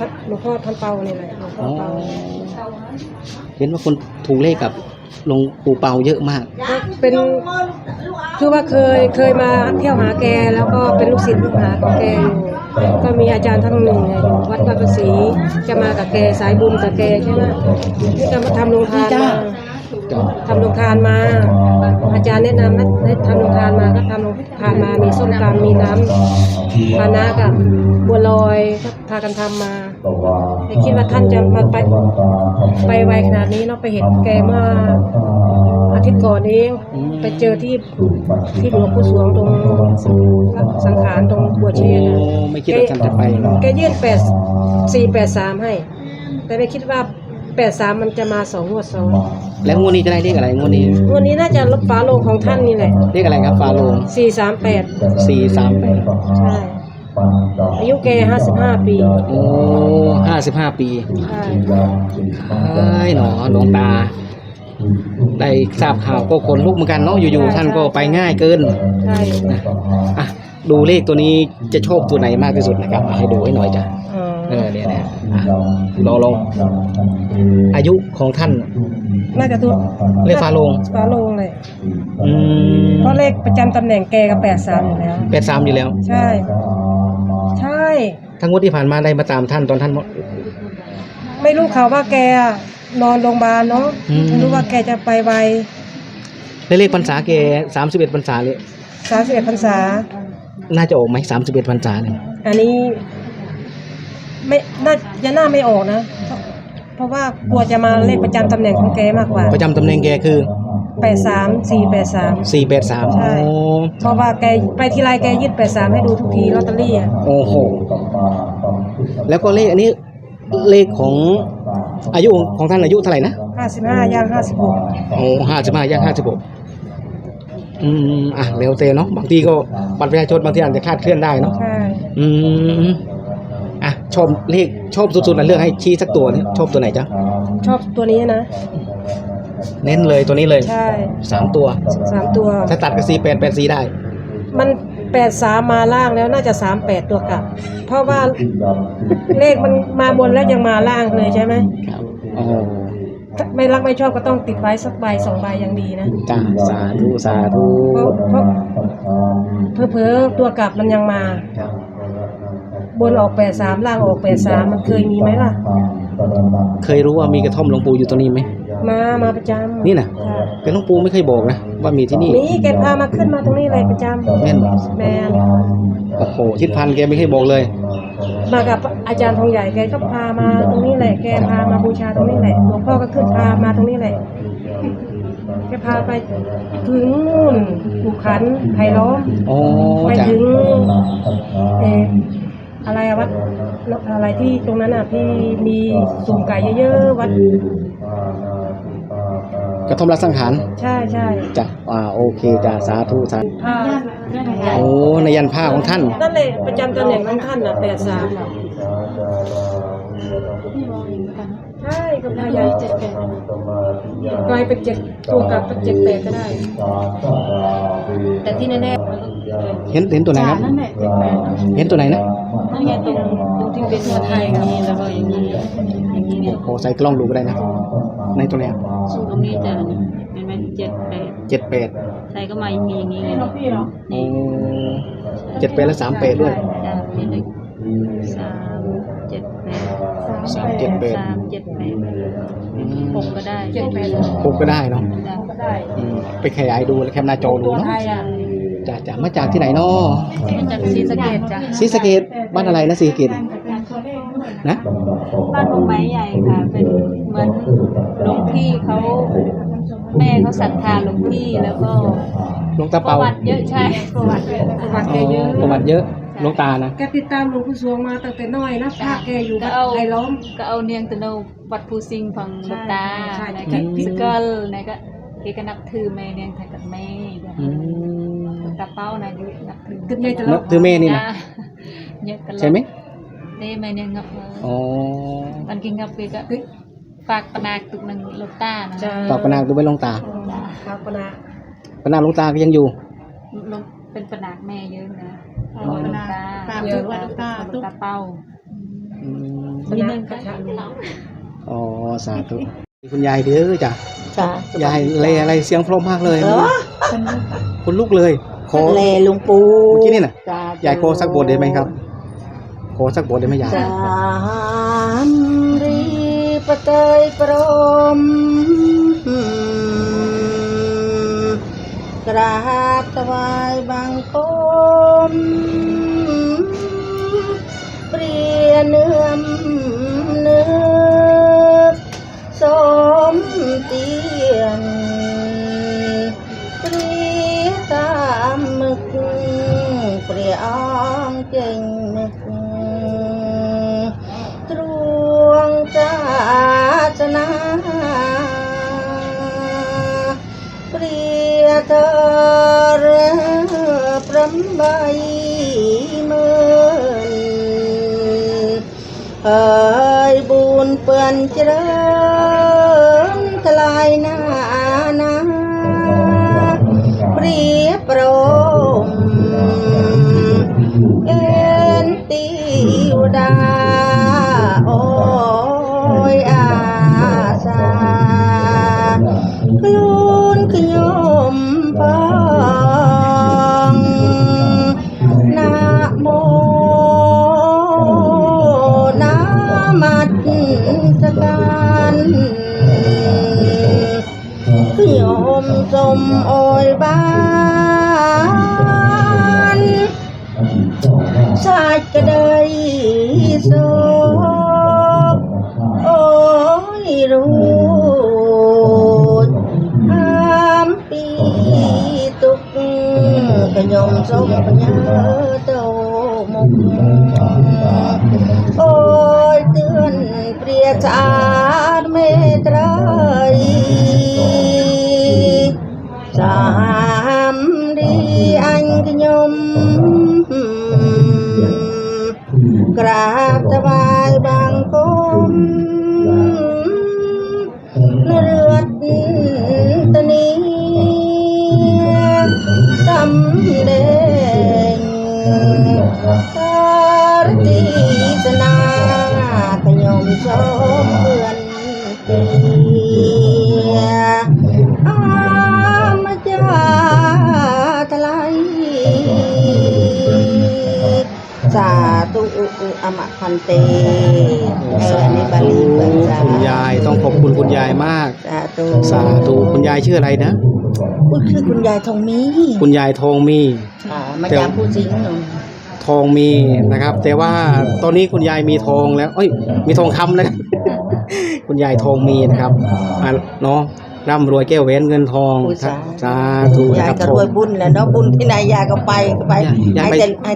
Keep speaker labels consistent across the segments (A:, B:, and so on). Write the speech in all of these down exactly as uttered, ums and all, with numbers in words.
A: หลวงพ่อท่านเปานี่แหละหลวงพ่อเปา
B: เห็นว่าคนถูกเลขกับหลวงปู่เปาเยอะมาก
A: เป็นคือว่าเคยเคยมาเที่ยวหาแกแล้วก็เป็นลูกศิษย์ลูกหาของแกอยู่ก็มีอาจารย์ท่านหนึ่งอยู่วัดวัดประศรีจะมากับแกสายบุญกับแกใช่ไหมที่จะมาทำโรงทานมาทำโรงทานมาอาจารย์แนะนำให้ทำโรงทานมาก็ทำโรงทานมามีส้มตำมีน้ำปานะกับบัวลอยก็พากันทำมาแต่คิดว่าท่านจะมาไปไปไวขนาดนี้เนาะไปเห็นแกเมื่ออาทิตย์ก่อนนี้ไปเจอที่ที่หลวงปู่สวงตรงสังขารตรงบัวเชษ
B: ไม่คิดว่าท่านจะไป
A: แกยื่นแปดสี่แปดสามให้แต่ไม่คิดว่าแปดสามมันจะมาสองงวดซ้อน
B: แล้วงวดนี้จะได้เลขอะไรงวดนี้
A: งวดนี้น่าจะลดฟ้าโลงของท่านนี่แหละ
B: เลขอะไรครับฟ้าโลง
A: สี่สามแปด
B: สี่สามแปด
A: ใช่อายุแกห้าสิบห้าปี
B: โอ้ห้าสิบห้าปี
A: ใช่
B: เอ้ยหนอหลวงตาได้ทราบข่าวก็คนลุกเหมือนกันเนาะอยู่ๆท่านก็ไปง่ายเกิน
A: ใช่
B: อ่ะดูเลขตัวนี้จะชอบตัวไหนมากที่สุดนะครับให้ดูให้หน่อยจ้ะเออเนี่ยเนี่ยลองลองอายุของท่าน
A: น่าจะตัว
B: เลขฟ้าโลง
A: ฟ้าโลงเลย
B: อืม
A: เพราะเลขประจำตำแหน่งแกกับแปดสามอยู่แล้ว
B: แปดสามอยู่แล้ว
A: ใช่ใช่
B: ทั้งงวดที่ผ่านมาได้มาตามท่านตอนท่าน
A: ไม่รู้ข่าวว่าแกนอนโรงพยาบาลเนาะไม่รู้ว่าแกจะไปไว
B: เลขพรรษาแกสามสิบเอ็ดพรรษาเลย
A: สามสิบเอ็ดพรรษา
B: น่าจะออกไหมสามสิบเอ็ดพรรษาเนี่ย
A: อันนี้ไม่น่าจะน่าไม่ออกนะเพราะว่ากลัวจะมาเลขประจำตำแหน่งของแกมากกว่า
B: ประจำตำแหน่งแกคือ
A: แปดสามสี่แปดสาม
B: สี่แปดสาม
A: ใช่เพราะว่าแกไปทีไรแกยึดแปดสามให้ดูทุกทีลอตเตอรี่อ่ะ
B: โอ้โหแล้วก็เลขอันนี้เลขของอายุของท่านอายุเท่าไหร่นะ
A: ห้าสิบห้าย่างห้าสิบหก
B: โอ้ห้าสิบห้าย่างห้าสิบหกอืมอ่ะเร็วเตเนาะบางทีก็บัตรประชาชนบางทีอาจจะคลาดเคลื่อนได้เนาะ
A: ใช่
B: อืมอ่ะชอบเลขชอบสุดๆนะเลือกให้ชี้สักตัวเนี่ยชอบตัวไหนจ๊ะ
A: ชอบตัวนี้นะ
B: เน้นเลยตัวนี้เลย
A: ใช่
B: สามตัว
A: สามตัว
B: ถ้าตัดก็สี่แปดแปดสี่ได้
A: มันแปดสามมาล่างแล้วน่าจะสามแปดตัวกลับเพราะว่าเลขมันมาบนแล้วยังมาล่างเลยใช่ไหม
B: ครับโอ้
A: ไม่รักไม่ชอบก็ต้องติดไว้สักใบสองใบยังดีนะ
B: จ้าสาธุสาธุ
A: เพราะเพราะเพ้อๆตัวกลับมันยังมาบนออกแปดสามล่างออกแปดสามมันเคยมีไหมล่ะ
B: เคยรู้ว่ามีกระท่อมหลวงปู่อยู่ตรงนี้ไหม
A: มามาประจำ
B: นี่นะแต่หลวงปู่ไม่เคยบอกนะว่ามีที่นี่
A: นี่แกพามาขึ้นมาตรงนี้เลยประจำ
B: แม่น
A: แม่น
B: โอ้โหทิศพันธ์แกไม่เคยบอกเลย
A: มากับอาจารย์ทองใหญ่แกก็พามาตรงนี้แหละแกพามาบูชาตรงนี้แหละหลวงพ่อก็ขึ้นพามาตรงนี้แหละแกพาไปถึงนู่นภูขันไผ่ล้อมไปถึงเอออะไรอะวัดอะไรที่ตรงนั้นอ่ะที่มีสุ่มไก่เยอะๆวัด
B: กระท่อมรัสังหาร
A: ใช่ใช่
B: จ้ะอ่าโอเคจ้ะสาธุสาธุโอ้ในยันผ้าของท่าน
A: นั่นเลยประจำตำแหน่งของท่านอ่ะแปดสามใช่ก็พยายามเจ็ดแปดกลายเป็นเจ็ดตัวกลับเป็นเจ็ดแปดก็ได้แต่ที่แน่
B: เห็นเห็นตัวไหนครับเห็นตัวไหนนะ
A: นั่นไงตรงตรงที่เป็นตัวไทยกับนี้แล้วก็อย่างนี้อย่างนี้เนี่ย
B: โอ้ใส่กล้องดูก็ได้นะในตัวไหน
A: ตรงนี้จะเป็นไหมเจ็ดแปด
B: เจ็ดแปด
A: ใส่ก็มามีอย่างนี้ไง
B: โอ้เจ็ดแปดและสามแปดด้วย
A: สามเจ็ดแปด
B: สามเจ็ดแปด
A: สามเจ็ดแปดหกก็ได้เจ็ดแปด
B: หกก็ได้เนาะไปขยายดูแล้วแคปหน้าจอดูเนาะจากจากมาจากที่ไหนเนาะ
A: มาจากศรีสะเกษจ้ะ
B: ศรีสะเกษบ้านอะไรนะศรีสะเกษนะ
A: บ้านของไม้ใหญ่ค่ะเป็นเหมือนหลวงพี่เขาแม่เขาศรัทธาหลวงพี่แล้วก็
B: หลวงตาเปา
A: ประวัติเยอะใช่ประวัติประวัติแกเยอะ
B: ประวัติเยอะหลวงตานะ
A: แกติดตามหลวงปู่สวงมาตั้งแต่น้อยนะพาแกอยู่วัดไผ่ล้อมก็เอาเนียงตะโนวัดภูสิงห์ของหลวงตาในก็สกลในก็แกก็นับถือแม่เนียงไทยกับแม่ตาเป้านะอยู่นับถือ
B: นับถือแม่นี่นะใช่ไหม
A: เต้แม่เนียงงับ
B: อ๋อ
A: มันกินงับไปก็ฝากปนาตุกนังหลวงตานะ
B: ฝากปนาตุกไปหลวงตา
A: ฝากปนา
B: ปนาหลวงตาก็ยังอยู่
A: เป็นปนาแม่เยอะนะปนาตาเยอะว่าตาตุ๊กตาเป้าสนะกระชะลุง
B: อ๋อสาธุคุณยายเด้อจ้ะ
C: จ้ะ
B: ยายเลอะไรเสียงเพราะมากเลย
C: เหรอ
B: คุณลุกเลยขอ
C: เลหลุงปู่
B: เมื่อกี้นี่น่ะ
C: จ้ะ
B: ยายขอสักบทได้ไหมครับขอสักบทได้ไหมยาย
C: สามรีปะเตยปรมกราบถวายบังคมเปรียเนื้อมเนื้อสมเตียนเปรียตามมึกเปรียอ้องเก่งนึกตรวงจาจนาเปรียเธอเรือพรำใบเมือนเอ่ยบุญเปื่อนเจริญทลายหน้านาเปรียบโปรมเอ็นติวดาโอ้ยอาสากลูนขยมพองนะโมนามัดสการขยมสมโอยบ้านสาดกระเดยโศกโอ้ยรู้อามปีตุกขยมสมปัญญาโตมุกโอ้ยเตือนเปรียชาติเมตรัยสามดีอันขยมกราบถวายบังคมเลือดตะนีสำเดงตารตีสนาขยมสมเพื่อนเตียอามจาทลายสาธุอมะพันเตเอออันนี้บาลีเปิดจ้า
B: คุณยายต้องขอบคุณคุณยายมาก
C: สาธุ
B: สาธุคุณยายชื่ออะไรนะ
C: อุ้ยคือคุณยายทองมี
B: คุณยายทองมี
C: อ่ามาจากผู้สิงห์หนู
B: ทองมีนะครับ แต่ว่าตอนนี้คุณยายมีทองแล้วเอ้ยมีทองคำแล้ว คุณยายทองมีนะครับอ่ะเนาะร่ำรวยแก้วแหวนเงินทองสาธุนะ
C: ยาย
B: ครับ
C: ก็รวยบุญแหล้วเนาะบุญที่ไหนยายก็ไปก็ไป
B: ยาย
C: ให้
B: ไป
C: แต่ให้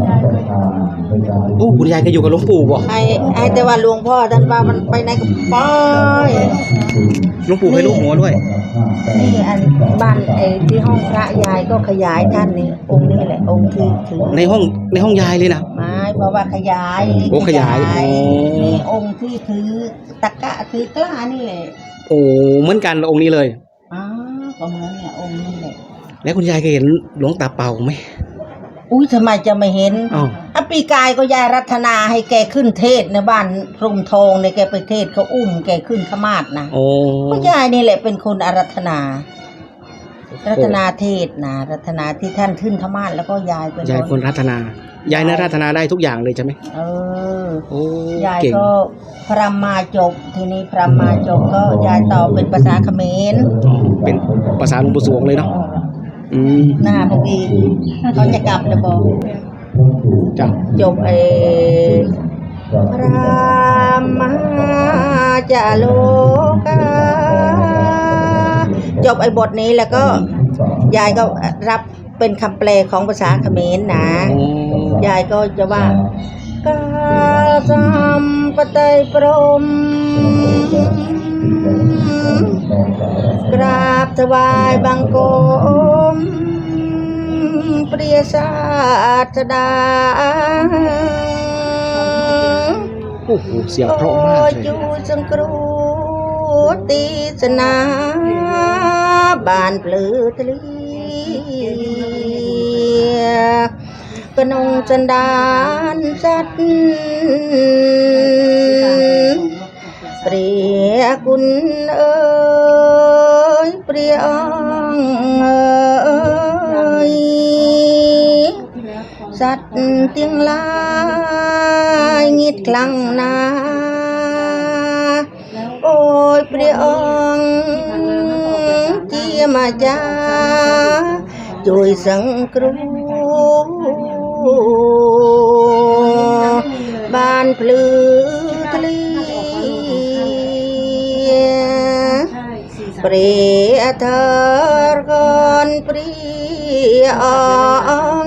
B: โอ้คุณยายก็อยู่กับหลวงปู่บ่
C: ให้ให้แต่ว่าหลวงพ่อท่านว่ามันไปไหนก็ไป
B: หลวงปู่ให้ลูกหัวด้วย
C: นี่อันบ้านไอ้ที่ห้องพระยายก็ขยายท่านนี่องค์นี้แหละองค์ที่ถือ
B: ในห้องในห้องยายเลยนะ
C: ไม้เพราะว่าขยาย
B: โอ้ขยายโอ้
C: นี่องค์ที่ถือตะกะถือกล้านี่แหละ
B: โอ้เหมือนกันองค์นี้เลย
C: อ๋อก็เหมือนเนี่ยองค์นี้แหละ
B: แล้วคุณยายเคยเห็นหลวงตาเป่าไหม
C: อุ้ยทำไมจะไม่เห็น
B: อ้าว
C: อ่ะปีกายก็ยายรัตนาให้แกขึ้นเทศในบ้านพรหมทองในยแกไปเทศเขาอุ้มแกขึ้นขมาศนะ
B: โอ้
C: ก็ยายนี่แหละเป็นคนอารัธนา รัตนาเทศนะรัตนาที่ท่านขึ้นธรรมาสแล้วก็ยายเป็น
B: ยายคนรัตนา ยายน่ารัตนาได้ทุกอย่างเลยใช่ไหม
C: เออ
B: โอ้
C: ยาย
B: เก่ง
C: ก็พรำมาจบทีนี้พรำมาจบก็ยายตอบเป็นภาษาเขมร
B: อ๋อเป็นภาษาหลวงปู่สวงเลยเนาะอืม
C: หน้าเมื่อกี้เขาจะกลับจะบอก
B: จ้ะ
C: จบเอพระมาจาโลกาจบไอ้บทนี้แล้วก็ยายก็รับเป็นคำแปลของภาษาเขมรนะ
B: โอ้
C: ยายก็จะว่ากาสัมปไตยพรหมกราบถวายบังคมเปรียศาสดา
B: โอ้โหเสียงเพราะมากเลย
C: จูสังกรูตีสนาบานเปลือทะเลกนงจันดานจัดกุลเอ๋ยเปรียงเอ๋ยสัตว์เตียงลายงิดคลังนาโอ้ยเปรียงเจียมาจาช่วยสังครูบ้านพลือทะเลเปรียเธอก่อนเปรียอง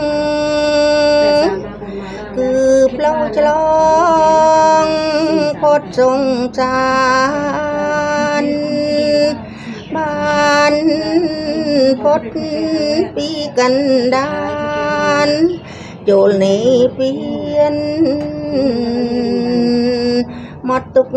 C: คือเปล่าฉลองพดสงสารบ้านพดปีกันดานโจลนี้เปลี่ยนหมดตุก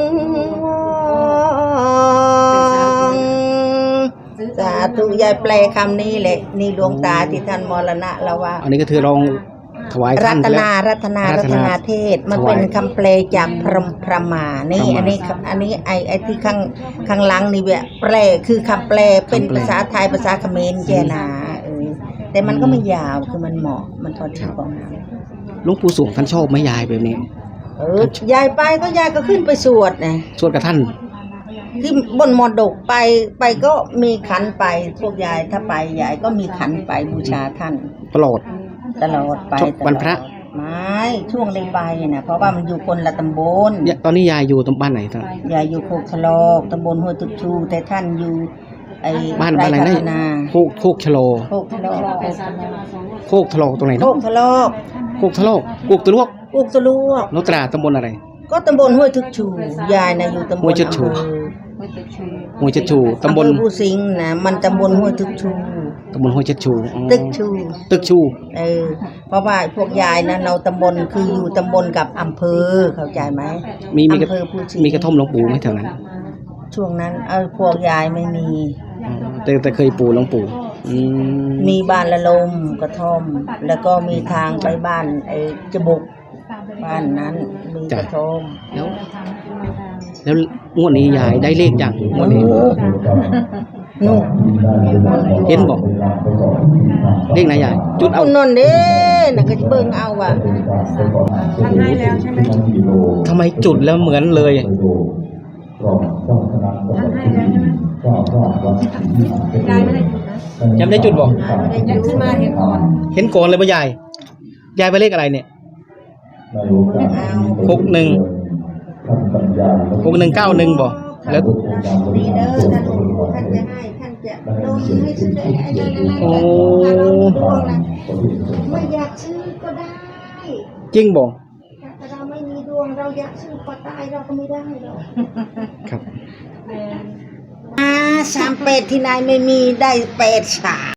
C: สาธุยายแปลคำนี้แหละนี่ดวงตาที่ท่านมรณะแล้วว่า
B: อันนี้ก็คือลองถวาย
C: รั
B: ท่าน
C: ต
B: ไปแล้ว
C: นารัตนา
B: รั
C: รั
B: ต
C: ต
B: นา
C: นาเทศมัน
B: ถวาย
C: เป็นคำแปลจากพรหมพระมานี่
B: พระมา
C: อันนี้อันนี้ไอไอที่ข้างข้างหลังนี่เว้ยแปลคือคำแปลเป็น
B: คำแปล
C: ภาษาไทยภาษาเขมรเจนาเออแต่มันก็ไม่ยาวคือมันเหมาะมันพอดีของเรา
B: หลวงปู่สวงท่านชอบไหมยายแบบนี้
C: เออยายไปก็ยายก็ขึ้นไปสวดนะ
B: สวดกับท่าน
C: ที่บนมอดกไปไปก็มีขันไปพวกยายถ้าไปยายก็มีขันไปบูชาท่าน
B: ตลอด
C: ตลอดไป
B: ช่วงวันพระ
C: ไม่ช่วงได้ไปนะเพราะว่ามันอยู่คนละตำบล
B: เนี่ยตอนนี้ยายอยู่ตรงบ้านไหนท่าน
C: ยายอยู่โคกทะลอกตำบลห้วยตุกชูแต่ท่านอยู่ไอ้
B: บ้านบ้านอะไร
C: พั
B: นะ
C: ฒนา
B: โคกโคกชะโล
C: โคกทะลอก
B: โคกทะโลตรงไหน
C: โค
B: เนาะ
C: กทะลอก
B: โคกทะโลโคกตะลวก
C: โคกตะลวก
B: โนตราตำบลอะไร
C: ก็ตำบลห้วยตุกชูยายนะอยู่ตำบล
B: ห้วยตุกชู
C: อำเภอ
B: ห้วยเจ็ดชูตำบล
C: อำเภอภูสิงห์นะมันตำบลห้วยตุกชู
B: ตำบลห้วยเจ็ดชูอ๋อ
C: ตึกชู
B: ตึกชู
C: เออเพราะว่าพวกยายนะเราตำบลคืออยู่ตำบลกับอำเภอเข้าใจไหม
B: มีมีกระ
C: อำเภอภูสิงห์
B: มีกระท่อมหลวงปู่ไหมแถวนั้น
C: ช่วงนั้นเอาพวกยายไม่มี
B: อ๋อแต่แต่เคยปู่หลวงปู่อืม
C: มีบ้านละลมกระท่อม แล้วก็มีทางไปบ้านไอ้จบุกบ้านนั้นมีกระท่อม
B: แล้ว แล้วงวดนี้ยายได้เลขอย่างงวดนี้
C: นู่น
B: เห็นบอกเลขไหนยายจุดเอา
C: นนเด้น่ะก็จะเบิ่งเอาว่ะ
A: ท่านให้แล้วใช่ไหม
B: ทำไมจุดแล้วเหมือนเลย
A: ท่านให้แล้วใช่ไหมยายไม่ได้จุดนะ
B: ยังไม่ได้จุดบอก
A: ยังขึ้นมาเห็นก่อน
B: เห็นก่อนเลยป่ะยายยายไปเลขอะไรเนี่ย
C: เอา
B: หกหนึ่งหกหนึ่งเก้าหนึ่งบอกแล้ว
C: ดีเด้อท่านท่านจะให้ท่านจะโดนให้ซื้อได้ไอ้นั่นนั่นนั่น
B: โอ้
C: ดวงนะไม่อยากซื้อก็ได้
B: จริงบอก
C: แต่เราไม่มีดวงเราอยากซื้อก็ตายเราก็ไม่ได้หรอก
B: ครับ
C: อ่าสามเป็ดที่นายไม่มีได้เป็ดสาม